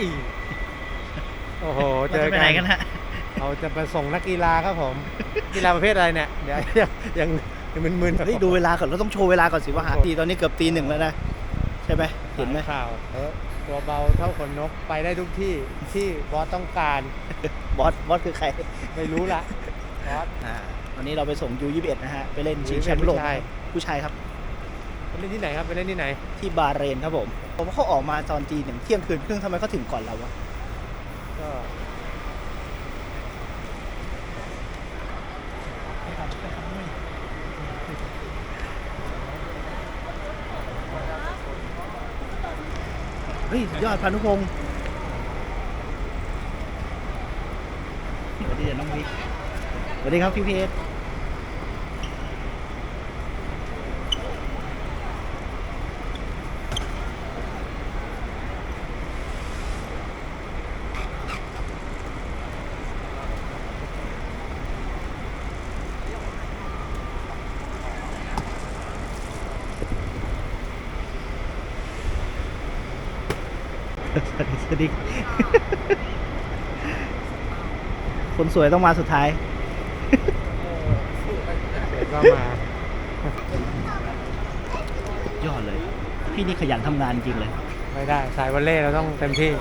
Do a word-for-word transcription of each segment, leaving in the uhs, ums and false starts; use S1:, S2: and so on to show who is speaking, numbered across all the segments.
S1: โอ้โหเจ
S2: เรา
S1: อ
S2: จะไป
S1: กั
S2: ไหน
S1: น
S2: กันฮะ
S1: เราจะไปส่งนักกีฬาครับผมกีฬาประเภทอะไรเนี่ยเดี๋ยวยังยังยังมึนๆ
S2: เฮ้ยดูเวลาก่อนเราต้องโชว์เวลาก่อนสิว่าหาตีตอนนี้เกือบตีหนึ่งแล้วนะใช่ไหมเห็นไหม
S1: ข่าวเออตัวเบาเท่าขนนกไปได้ทุกที่ที่บอสต้องการ
S2: บอสบอสคือใคร
S1: ไม่รู้ละบอส
S2: อ่าวันนี้เราไปส่ง ยู ยี่สิบเอ็ด นะฮะไปเล่นชิงแชมป์
S1: ผู้
S2: โลก
S1: ชาย
S2: ผู้ชายครับ
S1: ไปเล่นที่ไหนครับไปเล่นที่ไหน
S2: ที่บาห์เรนครับผมผมว่าเขาออกมาตอนตีหนึ่งเที่ยงคืนครึ่งทำไมเขาถึงก่อนเราวะ
S1: ก็
S2: เฮ้ยสุดยอดพานุพงศ์สวัสดีน้องวิกสวัสดีครับพี่เพชรสวัสดีคนสวยต้องมาสุดท้าย
S1: เดี๋ยวก็มา
S2: ยอดเลย พี่นี่ขยันทำงานจริงเลย
S1: ไม่ได้สายวอลเล่เราต้องเต็มที่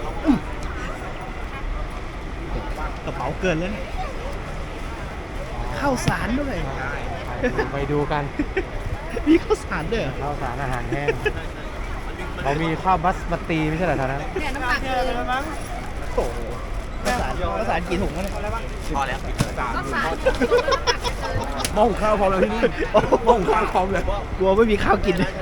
S2: กระเป๋าเกินแล้วเนี่ยข้าวสารด้วย
S1: ไปดูกัน
S2: มีข้าวสารด้วยเหรอ
S1: ข้าวสารอาหารแห้งเขามีข้าวบัสมาตีไม่ใช่เหรอท่านั้น
S3: เนี่ยน้ำหนักเกิน
S2: โอ้โหข้าวสารข้าวสารกี่ถุงวะเนี่ยพอแล้ว
S3: ก็สาร
S1: หม้อหุงข้าวพร้อมแล้วที่นี่หม้อหุงข้าวพร้อมเลย
S2: กลัวไม่มีข้าวกินเลย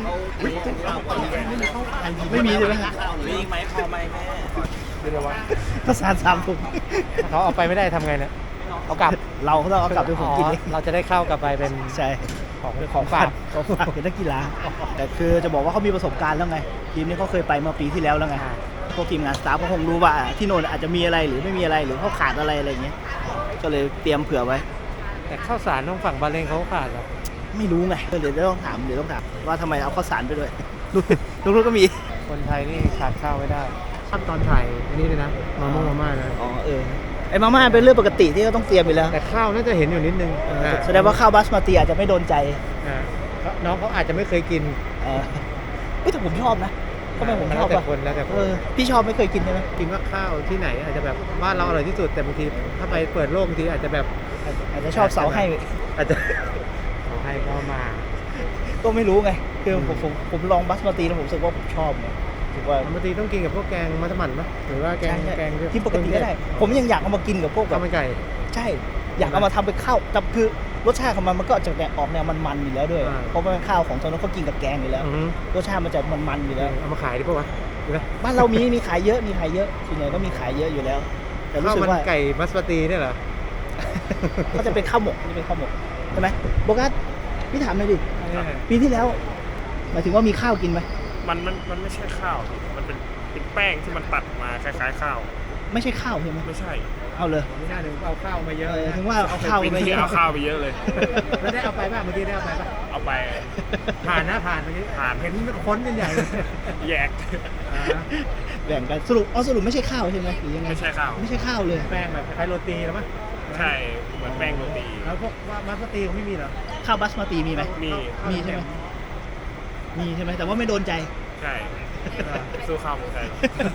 S2: ไม่มีใช่ไหมฮะ
S4: มีอีกไหมพอไหมแม่
S1: เดี๋ยวว่า
S2: ข้าวสารสามถุง
S1: เขาเอาไปไม่ได้ทำไงเนี่ยเอากลับ
S2: เราก็ต้องเอากลับไปผมกินเอง
S1: เราจะได้เข้ากลับไปเป็น
S2: ใช่
S1: ของของฝาก
S2: ของฝากเป็นนักกีฬาแต่คือจะบอกว่าเขามีประสบการณ์แล้วไงทีมนี้เขาเคยไปเมื่อปีที่แล้วแล้วไงพวกทีมงานสตาฟก็คงรู้ว่าที่โน่นอาจจะมีอะไรหรือไม่มีอะไรหรือเขาขาดอะไรอะไรอย่างเงี้ยก็เลยเตรียมเผื่อไว้
S1: แต่ข้าวสารต้องฝั่งบาเลงเขาขาดหรอ
S2: ไม่รู้ไงเดี๋ยวต้องถามเดี๋ยวต้องถามว่าทำไมเอาข้าวสารไปด้วยลูกลูกก็มี
S1: คนไทยนี่ขาดข้าวไม่ได้ขั้นตอนถ่ายอันนี้เลยนะมาม่ามาม่านะ
S2: อ๋อเออไอ้มาม่าเป็นเรื่องปกติที่เขาต้องเตรียมอยู่แล้ว
S1: แต่ข้าวน่าจะเห็นอยู่นิดนึง
S2: เออแสดงว่าข้าวบาสมาติอาจจะไม่โดนใจ
S1: อ่าน้องเขาอาจจะไม่เคยกิน
S2: เออเฮ้ยแต่ผมชอบนะทำไมผมชอบ
S1: แล้วแต่
S2: อ่ะ
S1: คนแล้วแต่ค
S2: เอน อพี่ชอบไม่เคยกินใช่ไหม
S1: กินว่าข้าวที่ไหนอาจจะแบบบ้านเราอร่อยที่สุดแต่บางทีถ้าไปเปิดโลกบางทีอาจจะแบบ
S2: อาจจะชอบเสาให้
S1: อาจจะเอาให้ก็มา
S2: ก็ไม่รู้ไงคือผมผมผมลองบาสมาติแล้วผมรู้สึกว่าผมชอบไงรู้สึกว่า
S1: บางทีต้องกินกับพวกแกงมัสมั่นปะหรือว่าแกง
S2: ใช่
S1: แกง
S2: ที่ปกติก็ได้ ผมยังอยากเอามากินกับพวกแบ
S1: ข้าว
S2: บ
S1: มันไก่
S2: ใช่ อยากเอามาทำเป็นข้าวแต่คือรสชาติของมันมันก็จะแนวออกแนวมันๆอยู่แล้วด้วย
S1: อ่า
S2: เพราะว่าเป็นข้าวของตอนนั้นเขากินกับแกงอยู่แล้ว
S1: อือฮึ
S2: รสชาติมันจะมันๆอยู่แล้ว
S1: เอามาขายดีป่าวะดูนะ
S2: บ้านเรามีมีขายเยอะมีขายเยอะส่วนใหญ่ก็มีขายเยอะอยู่แล้ว แต่รู้
S1: ข้าว
S2: สึก
S1: มัน
S2: ว่า
S1: ไก่มัสปาตีเนี่ยเหรอ
S2: เขาจะเป็นข้าวหมกจะเป็นข้าวหมกใช่ไหมโบกัสพี่ถามหน่อยดิ
S1: เนี่ย
S2: ปีที่แล้วหมายถึงว่ามีข้าวกินไหม
S4: มันมันมันไม่ใช่ข้าวพี่มันเป็นเป็นแป้งที่มันตัดมาคล้ายๆข้าว
S2: ไม่ใช่ข้าวใช่ไหม
S4: ไม่ใช่
S2: เอาเลย
S1: ไม่น่าถึงเอาข้าวมาเยอะ
S2: เออ
S1: นะ
S2: ถึงว่าเอาข้าว
S4: ปี
S2: ไปเย
S4: ที่
S2: อะ
S4: เอาข้าวไปเยอะเลย
S1: แล้วได้เอาไปป่ะเมื่อกี้ได้เอาไปป่ะ
S4: เอาไป
S1: ผ่านนะผ่านเมื่อกี้
S4: ผ่าน
S1: เห็นค้นกันใหญ่เลย
S4: แยก
S1: อ่า
S2: แบ่งกันสรุปอ๋อสรุปไม่ใช่ข้าวใช่ไหมหรือยังไง
S4: ไม่ใช่ข้าว
S2: ไม่ใช่ข้าวเลย
S1: แป้งแบบคล้ายๆโรตีแล้วมั้ย
S4: ใช่เหมือนแป้งโรตี
S1: แล้วพวกว่ามัสปาตีเขาไม่มีเหรอ
S2: ข้าวบาสมาติมีไหม
S4: มี
S2: มีใช่ไหมมีใช่ไหมแต่ว่าไม่โดนใจ
S4: ใช่สู้ข้าวเมืองไทย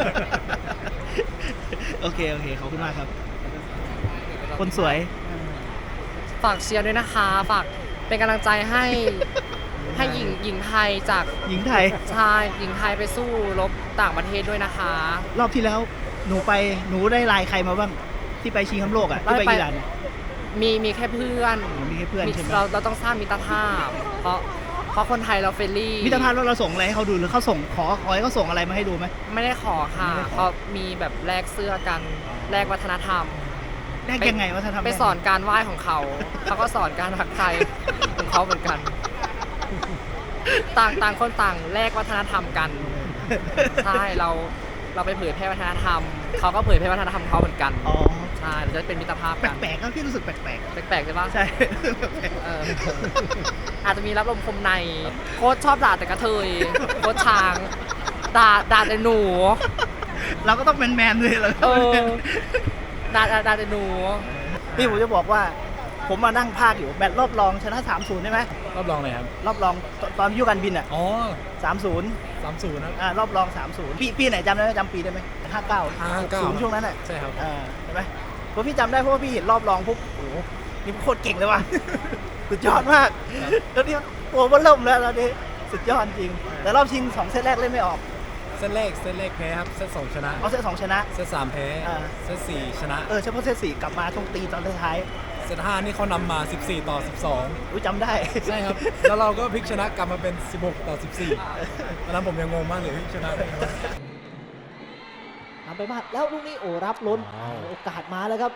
S2: โอเคโอเคขอบคุณมากครับ คนสวย
S3: ฝากเชียร์ด้วยนะคะ ฝากเป็นกำลังใจให้ให้หญิงหญิงไทยจาก
S2: หญิงไทย
S3: ชายหญิงไทยไปสู้รบต่างประเทศด้วยนะคะ
S2: รอบที่แล้วหนูไปหนูได้ไลน์ใครมาบ้างที่ไปชิงแชมป์โลกอ่ะที่ไป
S3: ไป
S2: อิหร่านเนี่ย
S3: มีมีแค่เพื่อน
S2: มีแค่เพื่อน
S3: มี
S2: ใช่ไหม
S3: เราเราต้องสร้างมิตรภาพ เพราะเพราะคนไทยเราเฟรนลี่
S2: มิตรภาพแล้วเราส่งอะไรให้เขาดูหรือเขาส่งขอขอให้เขาส่งอะไรมาให้ดูไหม
S3: ไม่ได้ขอค่ะ
S2: ไม่ได้ขอ
S3: เขามีแบบแลกเสื้อกันแลกวัฒนธรรม
S2: แลกยังไงว่าถ้าทำ
S3: ไปสอนการไหว้ของเขา เขาก็สอนการทักไทายของเขาเหมือนกัน ต่างต่างคนต่างแลกวัฒนธรรมกัน ใช่เราเราไปเผยแพร่วัฒนธรรม เขาก็เผยแพร่วัฒนธรรมเขาเหมือนกัน
S2: อ๋อ
S3: ใช่เราจะได้เป็นมิตรภาพ
S2: แป
S3: กัน
S2: ลกๆก็พี่รู้สึกแปลก
S3: แปลกๆใช่ปะ
S2: ๆใช่
S3: เอออาจจะมีรับลมคมใน โค้ชชอบด่าแต่กระเทย โค้ชช้าง ด่าด่าแต่หนู
S2: เราก็ต้องแมนแมนๆเลยเราก็
S3: เอ
S2: ต้อง
S3: อ
S2: แมน
S3: ดาดาดาจะหนู
S2: นี่ผมจะบอกว่า ผมมานั่งภาคอยู่แมตช์รอบรองชนะ สามศูนย์ ใช่ไหม
S5: รอบรองเลยครับ
S2: รอบรองตตอนยุคการบินอ่ะ
S5: อ๋อ
S2: สามศูนย์
S5: สามศูนย์นะ
S2: อ่ารอบรอง สามศูนย์ ปีปีไหนจำได้ไหมจำปีได้ไหมห้าเก้า
S5: ห้าเก้า
S2: ศูนย์ช่วงนั้นอ่ะ
S5: ใช่ครับ
S2: อ่าใช่ไหมเพราะพี่จำได้เพราะว่าพี่เห็นรอบรองปุ๊บโอ้โหนี่โคตรเก่งเลยว่ะ สุดยอดมาก แล้วนี่ตัวมันเริ่มแล้วแล้วนี่สุดยอดจริง แต่รอบชิงสองเซตแรกเล่นไม่ออก
S5: เซตแรกเซตแรกแพ้ครับ เซตสองชนะ
S2: เอาเซตสองชนะ
S5: เซตสามแพ้
S2: อ่า
S5: เซตสี่ชนะ
S2: เออเฉพาะเซตสี่กลับมาช่วงตีตอนท้าย
S5: เซตห้านี่เขานำมา สิบสี่ ต่อ สิบสอง
S2: ๆอุ้ยจำได้
S5: ใช่ครับ แล้วเราก็พลิกชนะกลับมาเป็น สิบหก ต่อ สิบสี่ตอนนั้นผมยังงงมากเลยเฮ้ยชนะได้ไงวะ
S6: ทำไปมากแล้วลูกนี้โอ้รับล้น
S1: ว้าว
S6: โอกาสมาแล้วครับ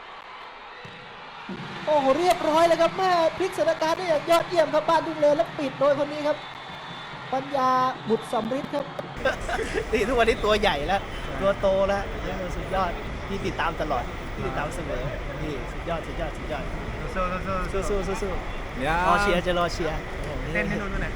S6: โอ้โหเรียบร้อยเลยครับแม่พลิกสถานการณ์ได้อย่างยอดเยี่ยมครับบ้านทุ่งเลนแล้วปิดโดยคนนี้ครับ ปัญญาบุตรสำริดครับ
S2: นี่ทุกวันนี้ตัวใหญ่แล้ว ตัวโตแล้วเออสุดยอดพี่ติดตามตลอดพี่ติดตามเสมอนี่สุดยอดสุดยอดสุดยอด
S4: สู้สู้สู้
S2: สู้สู้สู้สู้
S5: เนี่ย
S2: รอเชียร์จะรอเชียร์
S4: เต้นให้นุ่นด้วยนะ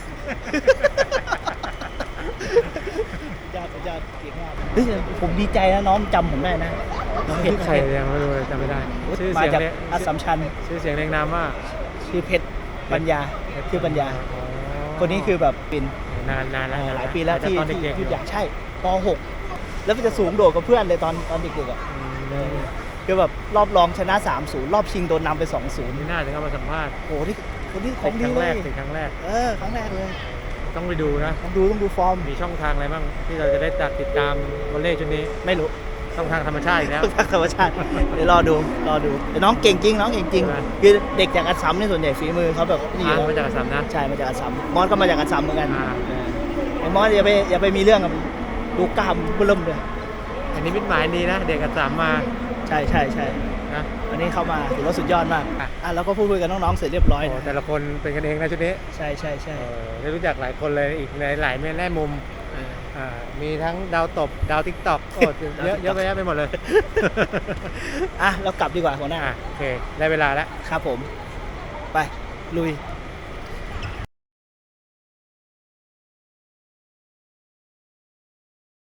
S2: สุดยอดสุดยอดเก่งมากเฮ้ยผมดีใจนะน้องจำผมได้นะน้องเพชร
S1: ใครยังไม่รู้เลยจำไม่ได้ ชื่อ
S2: มา
S1: เสียง
S2: จาก
S1: เรียก
S2: อัสสัมชัญ
S1: ชื่อเสียงเรียงนามว่า
S2: ชื่อเพชรปัญญาชื่อปัญญา
S1: อ๋อ
S2: คนนี้คือแบบเป็น
S1: นานนานแล้ว
S2: เอ่อหลายปีแล้ว
S1: แต่
S2: ที่
S1: ตอน
S2: ที่
S1: เด็กๆ
S2: ที่อยากใช่ป หก แล้วมันจะสูงโดดกับเพื่อนเลยตอนตอนเด็กๆอ่ะ
S1: อืม
S2: คือแบบรอบรองชนะ สามศูนย์ รอบชิงโดนนำไป สองศูนย์
S1: นี่น่าจะเข้ามาสัมภาษณ์
S2: โอ้โหนี่คนที่ข
S1: เป็
S2: อง
S1: นค
S2: ดี
S1: รั้ง
S2: เล
S1: แร
S2: ย
S1: กเป็นครั้งแรก
S2: เออครั้งแรกเลย
S1: ต้องไปดูนะ
S2: ต้องดูต้องดูฟอร์ม
S1: มีช่องทางอะไรบ้างที่เราจะได้ติดตามวอลเลย์ชุดนี้
S2: ไม่รู้
S1: ช่องทางธรรมชาติอีกแล้ว
S2: ภาคธรรมชาติ เดี๋ยวรอดูรอดูแต่น้องเก่งจริงน้องเก่งจริง
S1: ใช่ไหม
S2: คือเด็กจากอัสสัมนี่ส่วนใหญ่ฝีมือเขาแบบนี่
S1: อ่า
S2: แล้ว
S1: มาจากอัสสัมนะ
S2: ใช่มาจากอัสสัมมอสก็มาจากอัสสัมเหมือนกัน
S1: อ่า
S2: เออไอ้มอสอย่าไปอย่าไปมีเรื่องกับดูกล้ามเบิ่มเลย
S1: อันนี้มิตรหมายดีนะ เด็กอัสสัมมา
S2: ใช่ใช่ใช่
S1: นะ
S2: อันนี้เข้ามาถือว่าสุดยอดมาก
S1: อ่ะ
S2: อ่ะแล้วก็พูดคุยกับน้องๆเสร็จเรียบร้อย
S1: โอ้
S2: นะ
S1: แต่ละคนเป็นกันเองนะชุดนี้
S2: ใช่ใช่ใช่
S1: เออได้รู้จักหลายคนเลยอีกในหลายแม่แง่มุม
S2: เออ
S1: อ่ามีทั้งดาวตบ ดาวทิกตอกโอ้เยอะ
S2: ดาว TikTok
S1: เยอะไปแยะไปหมดเลย
S2: อ่ะเรากลับดีกว่าหัวหน้า
S1: อ่ะโอเค ได้เวลาแล้ว
S2: ครับผม ไป ลุย